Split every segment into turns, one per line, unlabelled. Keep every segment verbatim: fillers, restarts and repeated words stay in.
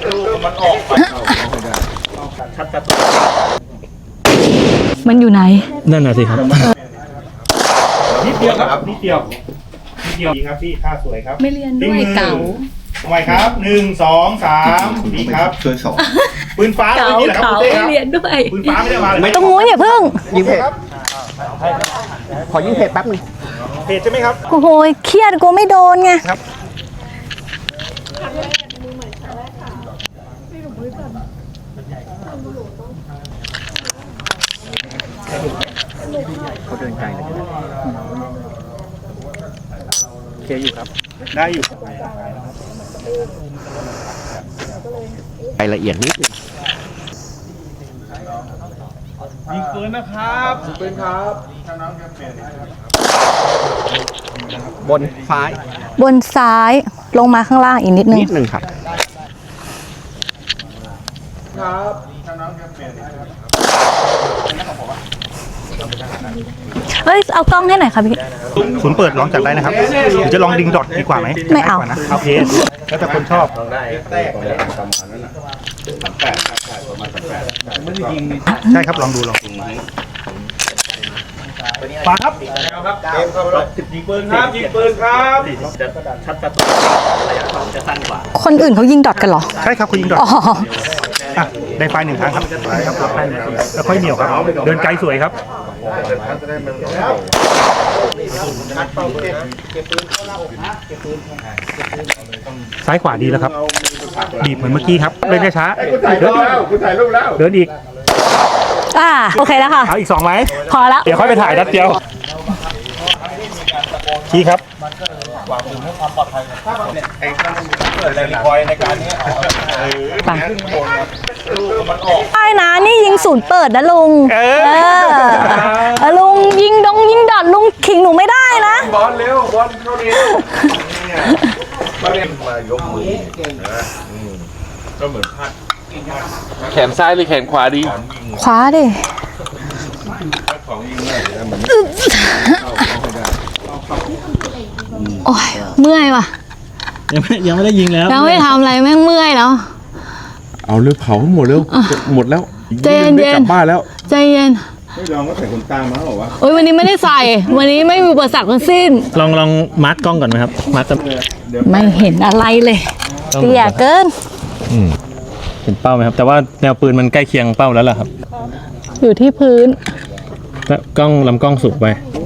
มันออกไปชัดชัด
มันอยู่ไหน
นั่นน่ะสิครับ
นิดเดียวครับนิดเดียวนิดเดียวดีครับพี่ค่าสวยครับ
ไม่เรียนด้วยเก่า
ทำไมครับหนึ่งสองสามดีครับช่วยสองปืนฟ้าไม่มีเหรอครับคุณเต้ครับ
ไม่เรียนด้วย
ปืนฟ้าไม่ได้มาเลย
ตรงนู้นอย่าเพิ่ง
ยิงเพจขอยิงเพจแป๊บนึง
เพจใช่ไหมครับ
โอ้โหเครียดกูไม่โดนไง
ครับ
เขาเดินไกลเลยเคลียร์อยู่ครับ
ได้อยู่
รายละเอียดนิดนึง
ยิงปืนนะครับปืนครับ
บนซ้าย
บนซ้ายลงมาข้างล่างอีกนิดนึง
นิดนึงครับ
ครับ
เฮ้ยเอากล้องให้หน่อยค่ะพี่
ศูนย์เปิดลองจัดได้นะครับหรือจะลองดิงดอทดีกว่าไหม
ไม่เอา
นะโอเคแล้วแต่คนชอบใช่ครับลองดูลองดูปาครับยิงปืนครับยิงปืนครับจะชัดชัดระยะของจะสั้นกว่า
คนอื่นเขายิงดอทกันเหรอ
ใช่ครับเขายิงดอทได้ไฟหนึ่งครั้งครับครับแล้วค่อยเหนียวครับเดินไกลสวยครับซ้ายขวาดีแล้วครับบีบเหมือนเมื่อกี้ครับเดินช้าเดินคุณถ่ายรูปแล้วเดินอีก
อ่าโอเคแล้วค่ะ
เอาอีกสองไหม
พอแล้ว
เดี๋ยวค่อยไปถ่ายนัดเดียวชี้ครับวางปืนให้ความปลอดภัยไอ้ตั้งเกิดแรงคอยในการนี้
ไปไอ้นะนี่ยิงศูนย์เปิดนะลุงเออลุงยิงดงยิงดอดลุงขิงหนูไม่ได้นะ
บอลเร็วบอลเข้าเร็วมาเล่นมายกมือนะก็เหมือนพัด
แขนซ้ายหรือแขนขวาดี
ขวาดิโอ้ยเมื่อยว่ะ
ยังไม่ยังไม่ได้ยิงแล้ว
ยังไม่ทำอะไรแม่งเมื่อยแล้ว
เอาเร็วเผาให้หมดเร็วหมดแล้ว
ใจเย็น
กลับบ้านแล้ว
ใจเย็น
ไม่ลองก็ใส่ขนตามาหรอวะ
โอ้ยวันนี้ไม่ได้ใส่วันนี้ไม่มีอุปสรรคทั้งสิ้น
ลองลองมาร์กกล้องก่อนไหมครับมาร์ก
ไม่เห็นอะไรเลยเตี้ยเกิน
เห็นเป้าไหมครับแต่ว่าแนวปืนมันใกล้เคียงเป้าแล้วล่ะครับ
อยู่ที่พื้น
แล้วกล้องลำกล้องสูงไป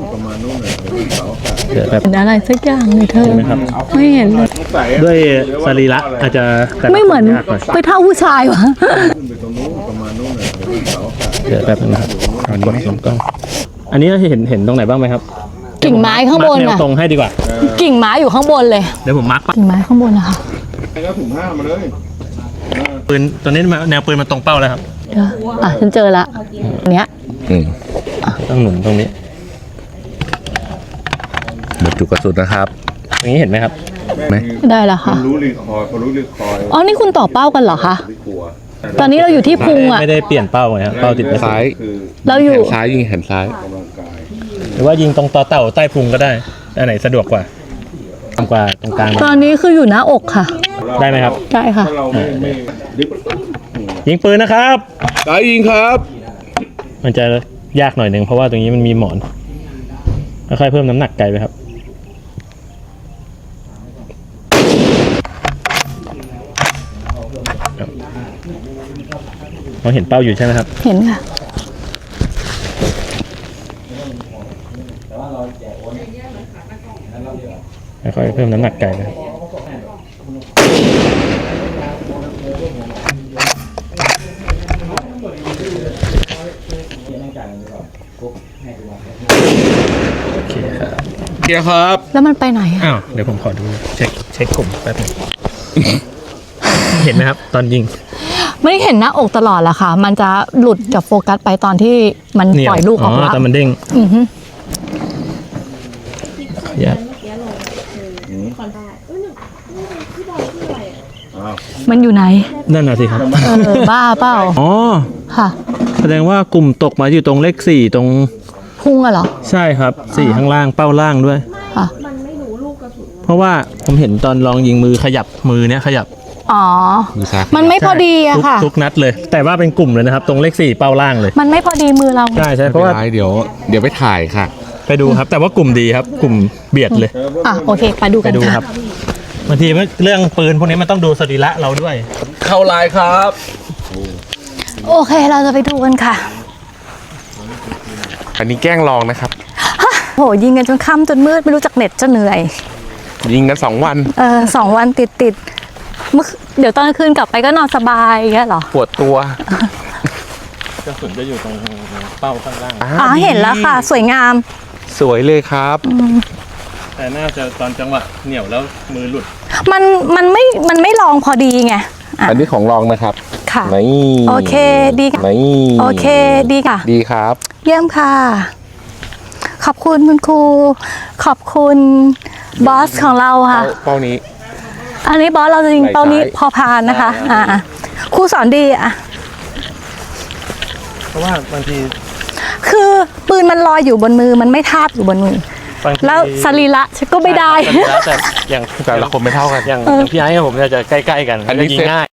เห็นอะไรสักอย่างเลยเธอไม่เห็นเลย
ด้วยสรีระอาจจะ
ไม่เหมือนไปเท่าผู้ชายวะ
เดี๋ยวแบบนะครับอันนี้ลำกล้องอันนี้เห็นเห็นตรงไหนบ้างไหมครับ
กิ่งไม้ข้างบน
อะตรงให้ดีกว่า
กิ่งไม้อยู่ข้างบนเลย
เดี๋ยวผมมาร์ก
กิ่งไม้ข้างบนนะคะ
แล้วถุงผ้ามาเลย
ปืนตอนนี้แนวปืนมันตรงเป้าแล้วครับ
อ่ะฉันเจอละเนี้ย
ต้องหนุนตรงนี้
หมดจุกกระสุนนะครับ
ตรงนี้เห็นไหมครับ
ไหม
ได้แล้วค่ะ
รู้ลือคอยรู้ลือคอย
อ๋อนี่คุณต่อเป้ากันเหรอคะตอนนี้เราอยู่ที่พุงอ่ะ
ไม่ได้เปลี่ยนเป้าไงครับเป้าติด
ซ้าย
เราอยู่
ซ้ายยิงแขนซ้าย
หรือว่ายิงตรงต่อเต่าใต้พุงก็ได้อันไหนสะดวกกว่าทำกว่าตรงกลาง
ตอนนี้คืออยู่หน้าอกค่ะ
ได้ไหมครับ
ได้ค่ะ
ยิงปืนนะครับ
ได้ยิงครับ
มันจะยากหน่อยหนึ่งเพราะว่าตรงนี้มันมีหมอนค่อยๆเพิ่มน้ำหนักไกลไปครับเราเห็นเป้าอยู่ใช่ไหมครับ
เห็นค่ะ
ค่อยๆเพิ่มน้ำหนักไกลนะครับ
เกียร์ครับ
แล้วมันไปไหนอ่ะ
อ้าวเดี๋ยวผมขอดูเช็คเช็คกลุ่มแป๊บนึงเห็นไหมครับตอนยิง
ไม่ได้เห็นหน้าอกตลอดละค่ะมันจะหลุดจากโฟกัสไปตอนที่มันปล่อยลูกออก
แล้วตอนมันเด้ง
อือฮึ
อย่า
มันอยู่ไหน
นั่นน่ะสิครับ
เออบ้าเปล่า
อ๋อ
ค่ะ
แสดงว่ากลุ่มตกมาอยู่ตรงเลขสี่ตรง
พุงอะเหรอ
ใช่ครับสี่ข้างล่างเป้าล่างด้วย
ค่ะ
เพราะว่าผมเห็นตอนลองยิงมือขยับมือเนี้ยขยับ
อ๋อ
มือซ้าย
มันไม่พอดีอะ
ทุก
ค่ะ
ทุกนัดเลย แต่ว่าเป็นกลุ่มเลยนะครับ ตรงเลขสี่เป้าล่างเลย
มันไม่พอดีมือเรา
ใช่ใช่
ไม่
เพ
เป็น
ราะว่า
ไรเดี๋ยวเดี๋ยวไปถ่ายค่ะ
ไปดูครับ แต่ว่ากลุ่มดีครับ กลุ่มเบียดเลย
อ่ะโอเคไปดู
ไป
กัน
ดูค
ค่ะ
รับบางทีเรื่องปืนพวกนี้มันต้องดูสรีระเราด้วย
เข้าไลน์ครับ
โอเคเราจะไปดูกันค่ะ
อันนี้แกล้งลองนะครับ
โหยิงกันจนค่ำจนมืดไม่รู้จักเน็ตจะเหนื่อย
ยิงกันสองวัน
เออสองวันติดติดๆเมื่อเดี๋ยวตอนกลางคืนกลับไปก็นอนสบายอย่างเงี้ยเหรอ
ปวดตัว
กระสุนจะอยู่ตรงเป้าข้างล่าง
อ๋อเห็นแล้วค่ะ สวยงาม
สวยเลยครับ
แต่น่าจะตอนจังหวะเหนี่ยวแล้วมือหลุด
มันมันไม่มันไม่ลองพอดีไงอ่ะ
อันนี้ของลองนะครับ
ค่ะ
นี่
โอเคดีค่ะ
นี่
โอเคดีค่ะ
ดีครับ
เยี่ยมค่ะ ขอบคุณคุณครู ขอบคุณบอสของเราค่ะ
เป้าเป้านี้
อันนี้บอสเราจะยิง
ไหล่
เป้านี้
ซ้าย
พอพานนะคะ อ่าครูสอนดีอ่ะ
เพราะว่าบางที
คือปืนมันลอยอยู่บนมือมันไม่ทาบอยู่บนมือ
บางที
แล้วสรีระฉันก็ไม่ได้
สรีระแต่อย่าง
แต่ละคนไม่เท่ากัน
อย่างอย่างพี่ไอ้กับผมเนี่ยจะใกล้ๆกัน
อันนี้
ยิง
เสร็จ
ง่าย